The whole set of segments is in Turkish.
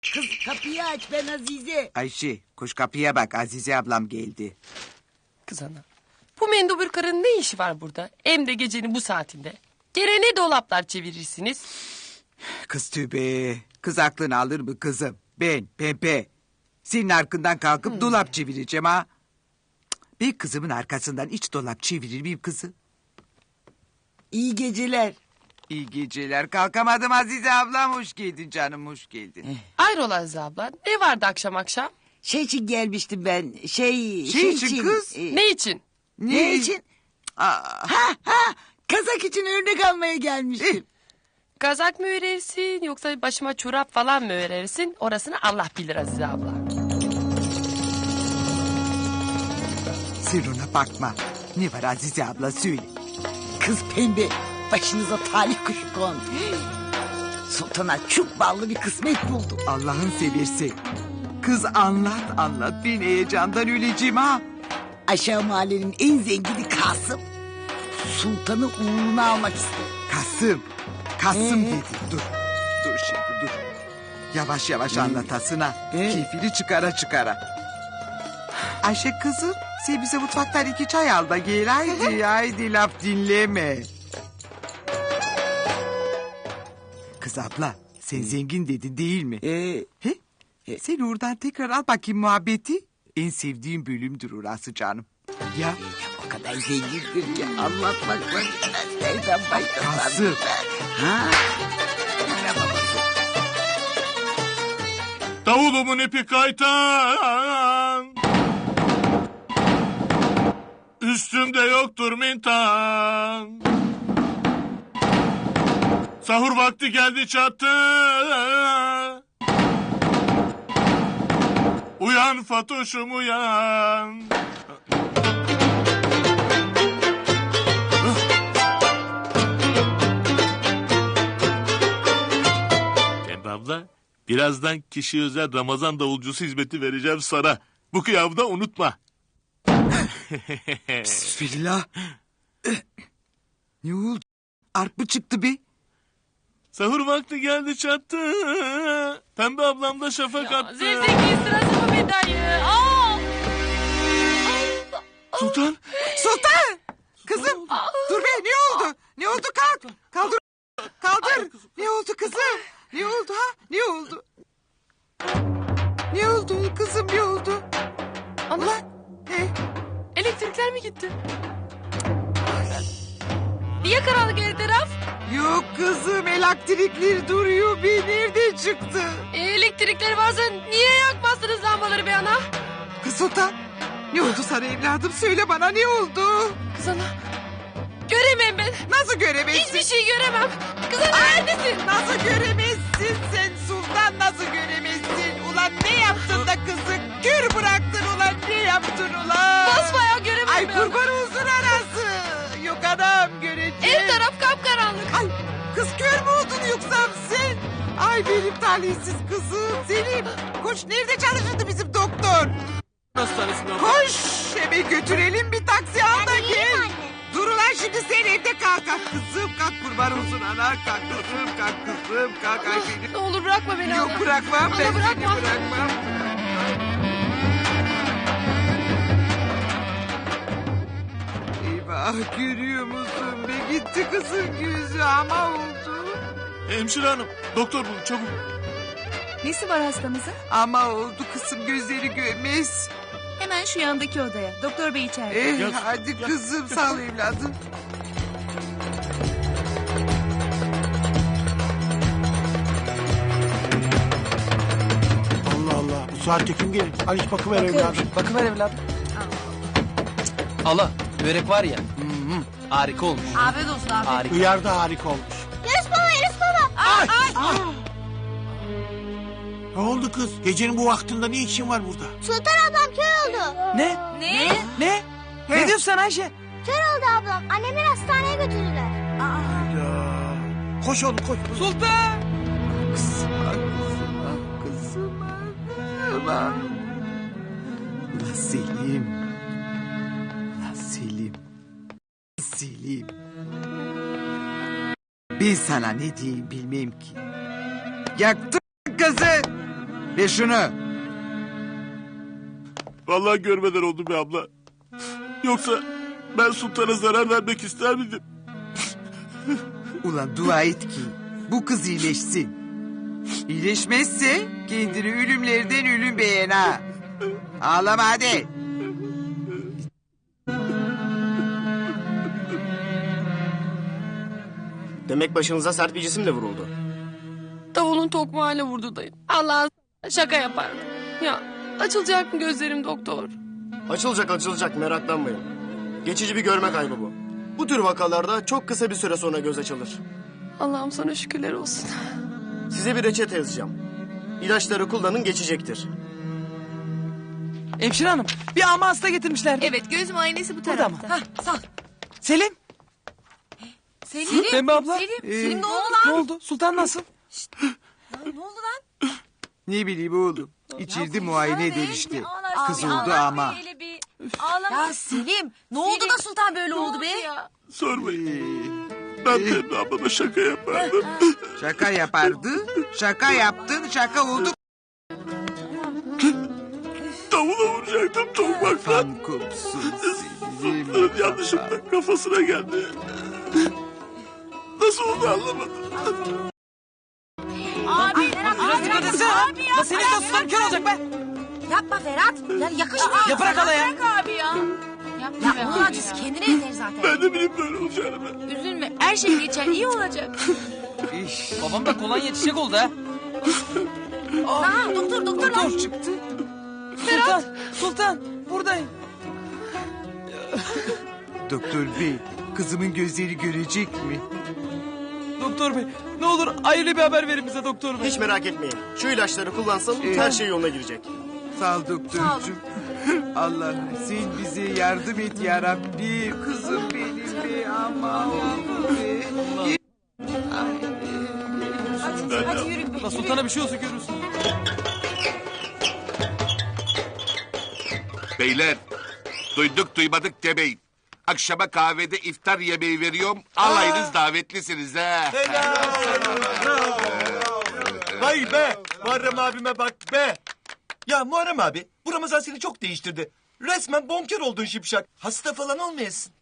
Kız kapıyı aç, ben Azize. Ayşe koş kapıya bak, Azize ablam geldi. Kız ana. Bu mendubur karının ne işi var burada? Hem de gecenin bu saatinde. Gene ne dolaplar çevirirsiniz? Kız tübe. Kız aklını alır mı kızım? Ben Pembe. Senin arkından kalkıp dolap çevireceğim ha. Bir kızımın arkasından hiç dolap çevirir miyim kızım? İyi geceler. İyi geceler. Kalkamadım Azize ablam. Hoş geldin canım, hoş geldin. Hayrola Azize abla? Ne vardı akşam akşam? Şey için gelmiştim ben. Şey için kız? Ne için? Ne için? Aa, Kazak için örnek almaya gelmiştim. Kazak mı örersin yoksa başıma çorap falan mı örersin? Orasını Allah bilir Azize abla. sen ona bakma. Ne var Azize abla, söyle. Kız Pembe, başınıza talih kuşu kondu. Sultana çok ballı bir kısmet buldum. Allah'ın seversen. Kız anlat. Ben heyecandan öleceğim ha. Aşağı mahallenin en zengini Kasım. Sultanı uğruna almak istedi. Kasım dedi. Dur şimdi dur. Yavaş yavaş anlatasın ha. Keyfini çıkara. Ayşe kızım, sen bize mutfaktan 2 çay al da gel. Haydi laf dinleme. Kız abla, sen zengin dedin değil mi? He? Sen oradan tekrar al bakayım muhabbeti. En sevdiğim bölümdür orası canım. Ya O kadar zengindir ki anlatmakla bitmez. Nereden başlasam? Kasım. Ha? Davulumun ipi kaytan, üstümde yoktur mintan. Sahur vakti geldi çattı, uyan Fatoş'um uyan. Pembe abla, birazdan kişi özel Ramazan davulcusu hizmeti vereceğim sana. Bu kıyafda unutma. Bismillah. Ne oldu? Arp mı çıktı be? Sahur vakti geldi çattı. Pembe ablam da şafak attı. Zevzekliğin sırası mı be dayı? Sultan. Kızım dur be, ne oldu? Ne oldu, kalk. Kaldır. Ne oldu kızım? Ne oldu ha? Ne oldu? Ne oldu kızım, ne oldu? Allah. He? Elektrikler mi gitti? Niye karanlık her taraf? Yok kızım, elektrikler duruyor be, nerede çıktı? Elektrikler varsa niye yakmazsınız lambaları be ana? Kız Sultan, ne oldu sana evladım, söyle bana, ne oldu? Kız ana. Göremem ben. Nasıl göremezsin? Hiçbir şey göremem. Kız ana neredesin? Nasıl göremezsin sen Sultan, nasıl göremezsin? Ulan ne yaptın da kızı kör bıraktın, ulan ne yaptın ulan? Basbayağı göremem Ay ben. kurban olsun anası. Yok anam, göreceğim. Her taraf kapkaranlık. Ay kız kör mü oldun yoksa sen? Ay benim talihsiz kızım. Selim koş, nerede çalışırdı bizim doktor? Hastanesinde. Koş hemen götürelim, bir taksi al da gel. Dur ulan şimdi sen evde kalk kızım, kalk kurban olsun ana, kalk kızım kalk ay benim. Ne olur bırakma beni. Yok ana. bırakmam Ana, ben seni, bırakma. bırakmam. Eyvah, görüyor musun be, gitti kızın gözü ama oldu. Hemşire hanım, doktor bulun çabuk. Nesi var hastamızın? Ama oldu kızım, gözleri görmez. Hemen şu yandaki odaya. Doktor bey içeride. Gel, Hadi gel, kızım, gel. sağ ol evladım. Allah Allah. Bu saatte kim gelir? Aliş bakıver evladım. Bakıver evladım. Allah, börek var ya. Harika olmuş. Afiyet olsun abi. Harika. Hıyar da harika olmuş. Ne oldu kız? Gecenin bu vaktinde ne işin var burada? Sultan ablam kör oldu. Ne? Ne? Ne? Ne diyorsun sen Ayşe? Kör oldu ablam. Annemleri hastaneye götürdüler. Ya. Koş oğlum koş. Sultan! Kızım. Ulan Selim. Ulan Selim. Ben sana ne diyeyim bilmem ki. Yaktın kızı. Ver şunu. Vallahi görmeden oldu be abla. Yoksa ben sultana zarar vermek ister miydim? Ulan dua et ki bu kız iyileşsin. İyileşmezse kendini ölümlerden ölüm beğen ha. Ağlama hadi. Demek başınıza sert bir cisimle vuruldu. Davulun tokmağıyla vurdu dayım. Allah şaka yapardı. Ya açılacak mı gözlerim doktor? Açılacak meraklanmayın. Geçici bir görme kaybı bu. Bu tür vakalarda çok kısa bir süre sonra göz açılır. Allah'ım sana şükürler olsun. Size bir reçete yazacağım. İlaçları kullanın geçecektir. Hemşire hanım bir ama hasta getirmişler. Evet göz muayenesi bu Burada mı? tarafta. Hah, sağ ol. Selim. Selim. Pembe abla. Selim ne oldu Ne lan? oldu? Sultan nasıl? Ne oldu lan? Ne bileyim oğlum. İçeride muayene eder işte. Kız oldu Allah ama. hele bir ağlama. Ya Selim ne oldu da Sultan böyle oldu be? Sormayın. Ben Pembe ablama şaka yapardım. Şaka yapardı. Şaka yaptın. Şaka oldu. Davula vuracaktım tokmakla. Kan kopsun Selim. Yanlışlıkla kafasına geldi. Nasıl oldu anlamadım. Abi Biraz dikkat etsene. Ya senin de sultan kör olacak be. yapma Ferhat. Yani yakışmıyor. Ya bırak hala ya. Bırak abi ya. Ya onun acısı kendine yeter zaten. Ben de bileyim böyle olacağını ben. Üzülme her şey geçer iyi olacak. İş. Babam da kolonya çiçek oldu ha. Aha doktor lan. Çıktı. Sultan buradayım. Doktor bey, kızımın gözleri görecek mi? Doktor bey ne olur hayırlı bir haber verin bize doktor bey. Hiç merak etmeyin. Şu ilaçları kullansın her şey yoluna girecek. Sağ ol doktorcuğum. Allah sen bize yardım et ya Rabbi. Kızım benim be ama oğlum be. Hadi yürü. La sultana bir şey olsa görürsün. Beyler, duyduk duymadık demeyin. Akşama kahvede iftar yemeği veriyorum. Alayınız davetlisiniz ha. Vay be Muharrem abime bak be. Ya Muharrem abi bu Ramazan seni çok değiştirdi. Resmen bonkör oldun şipşak. Hasta falan olmayasın.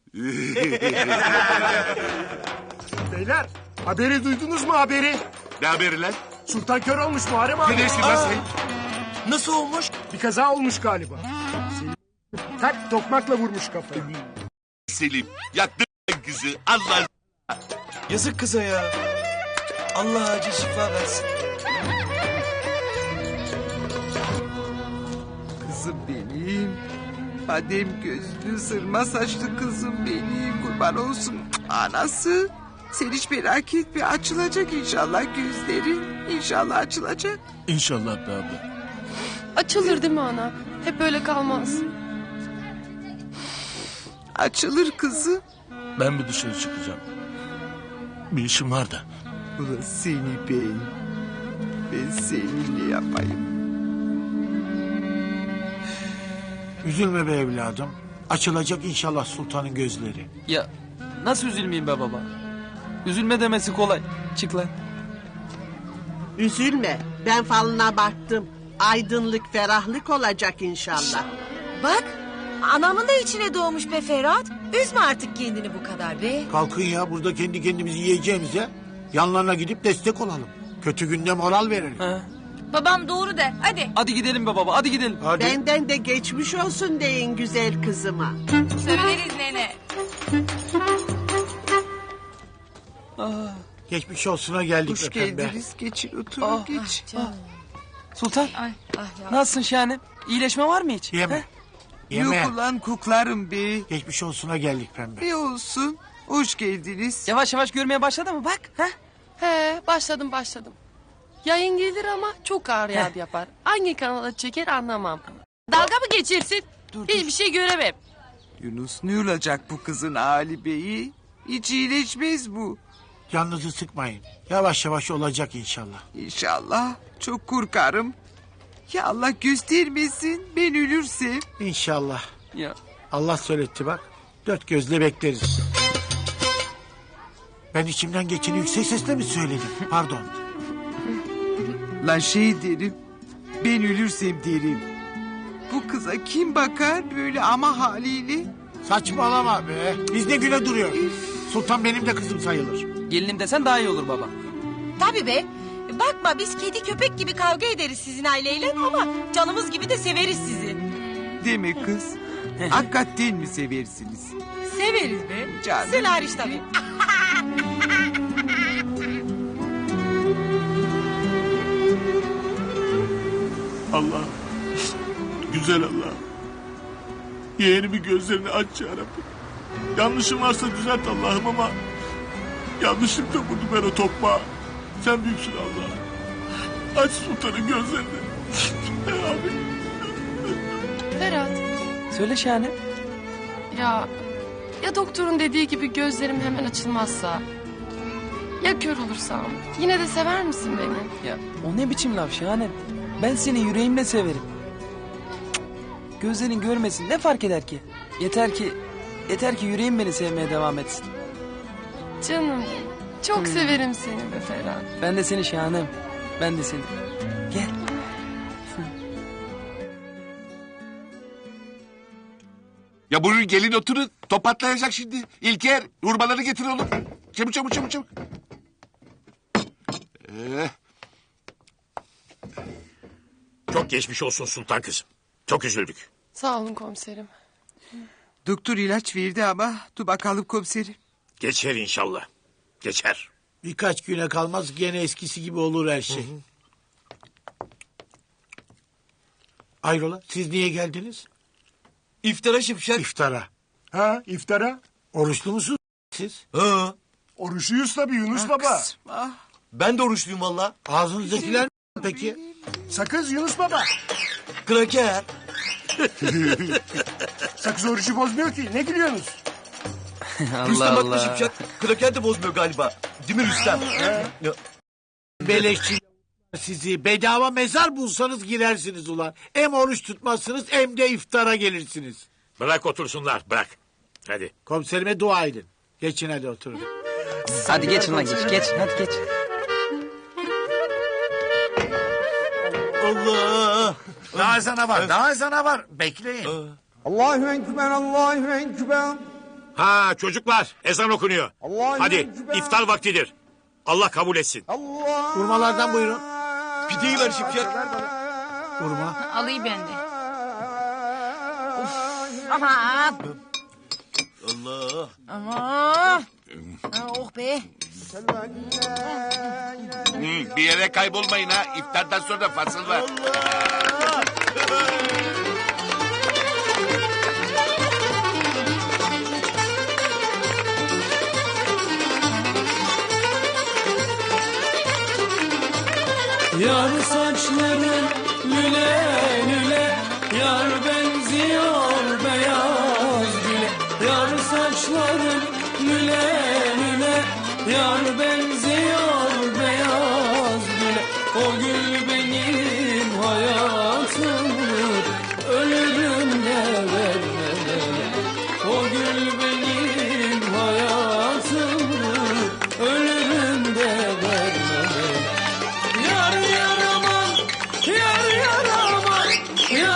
Beyler haberi duydunuz mu haberi? Ne haberi lan? Sultan kör olmuş Muharrem abi. Ne dersin lan sen? Nasıl olmuş? Bir kaza olmuş galiba. Tak tokmakla vurmuş kafayı. Selim, yaktın kızı. Allah. Yazık kıza ya. Allah acil şifa versin. Kızım benim. Badem gözlü sırma saçlı kızım benim. Kurban olsun anası. Sen hiç merak etme açılacak inşallah gözleri. İnşallah açılacak. İnşallah be abla. Açılır değil mi ana? Hep öyle kalmaz. Açılır kızım. Ben bir dışarı çıkacağım. Bir işim var da. Ulan seni ben seninle yapayım. Üzülme be evladım. Açılacak inşallah sultanın gözleri. Ya nasıl üzülmeyeyim be baba? Üzülme demesi kolay. Çık lan. Üzülme. Ben falına baktım. Aydınlık, ferahlık olacak inşallah. Bak anamın da içine doğmuş be Ferhat. Üzme artık kendini bu kadar be. Kalkın ya burada kendi kendimizi yiyeceğimize yanlarına gidip destek olalım. Kötü günde moral verelim. Ha. Babam doğru der hadi. Hadi gidelim be baba hadi gidelim. Hadi. Benden de geçmiş olsun deyin güzel kızıma. Söyleriz nene. Geçmiş olsuna geldik Hoş be pembe. geldiniz. Geçin oturun geç. Sultan Ay ya. nasılsın şahanem? İyileşme var mı hiç? Yeme. He? Yeme. Yok ulan kuklarım be. Geçmiş olsuna geldik pembe. Ne olsun. Hoş geldiniz. Yavaş yavaş görmeye başladı mı bak? Ha? He başladım. Yayın gelir ama çok ağır yağdı yapar. Hangi kanala çeker anlamam. Dalga mı geçirsin? Hiçbir şey göremem. Yunus ne olacak bu kızın Ali Bey'i? Hiç iyileşmez bu. Canınızı sıkmayın. Yavaş yavaş olacak inşallah. İnşallah. Çok korkarım. Ya Allah göstermesin ben ölürsem. İnşallah. Ya. Allah söyletti bak. Dört gözle bekleriz. Ben içimden geçeni yüksek sesle mi söyledim? Pardon. Lan şey derim. Ben ölürsem derim. Bu kıza kim bakar böyle ama haliyle? Saçmalama be. Biz ne güne duruyor. Sultan benim de kızım sayılır. Gelinim desen daha iyi olur baba. Tabii be. Bakma biz kedi köpek gibi kavga ederiz sizin aileyle ama canımız gibi de severiz sizi. Deme kız. Hakikaten mi seversiniz? Severiz be. Canım. Sen hariç tabii. Allah. Güzel Allah. Yeğenimin gözlerini aç yarabbim. Yanlışım varsa düzelt Allah'ım ama... yanlışlıkla vurdum ben o tokmağı. Sen büyüksün Allah. Aç sultanın gözlerini. Abi. Ferhat. Söyle Şahane. Ya doktorun dediği gibi gözlerim hemen açılmazsa? Ya kör olursam? Yine de sever misin beni? Ya o ne biçim laf Şahane? Ben seni yüreğimle severim. Cık, gözlerin görmesin ne fark eder ki? Yeter ki yüreğim beni sevmeye devam etsin. Canım çok severim seni be Ferhat. Ben de seni Şahanem. Ben de seni. Gel. Ya buyurun gelin oturun. Top patlayacak şimdi. İlker hurmaları getir oğlum. Çabuk çabuk çabuk çabuk. Çok geçmiş olsun sultan kızım. Çok üzüldük. Sağ olun komiserim. Doktor ilaç verdi ama dur bakalım komiserim. Geçer inşallah. Geçer. Birkaç güne kalmaz gene eskisi gibi olur her şey. Ayrola siz niye geldiniz? İftara Şipşak. İftara. Ha iftara? Oruçlu musunuz siz? Ha. Oruçluyuz tabii Yunus baba. Ben de oruçluyum valla. Ağzınızdakiler mi peki? Sakız Yunus baba. Kraker. Sakız orucu bozmuyor ki. Ne gülüyorsunuz? Rüstem haklı Şipşak. Kraker de bozmuyor galiba. Değil mi Rüstem? Ya. Beleşçi sizi bedava mezar bulsanız girersiniz ulan. Hem oruç tutmazsınız hem de iftara gelirsiniz. Bırak otursunlar bırak. Hadi. Komiserime dua edin. Geçin hadi oturun. Hadi geç lan geç. Hadi geç. Allah. Daha ezana var. Bekleyin. Allahu Ekber, Allahu Ekber. Ha çocuklar ezan okunuyor. Hadi Ekber. iftar vaktidir. Allah kabul etsin. Hurmalardan buyurun. Pideyi ver Şipşak. Hurma. Alayım ben de. Aman. Allah. Aman. Oh be. Bir yere kaybolmayın ha. İftardan sonra fasıl var. Yar saçların lüle lüle, yar benziyor beyaz güle. Yar saçların lüle lüle, yar benziyor beyaz güle. O gül benim hayatımdır, ölürüm de vermem. O gül benim hayatımdır, ölürüm de vermem. Yar yar aman, yar yar aman, yar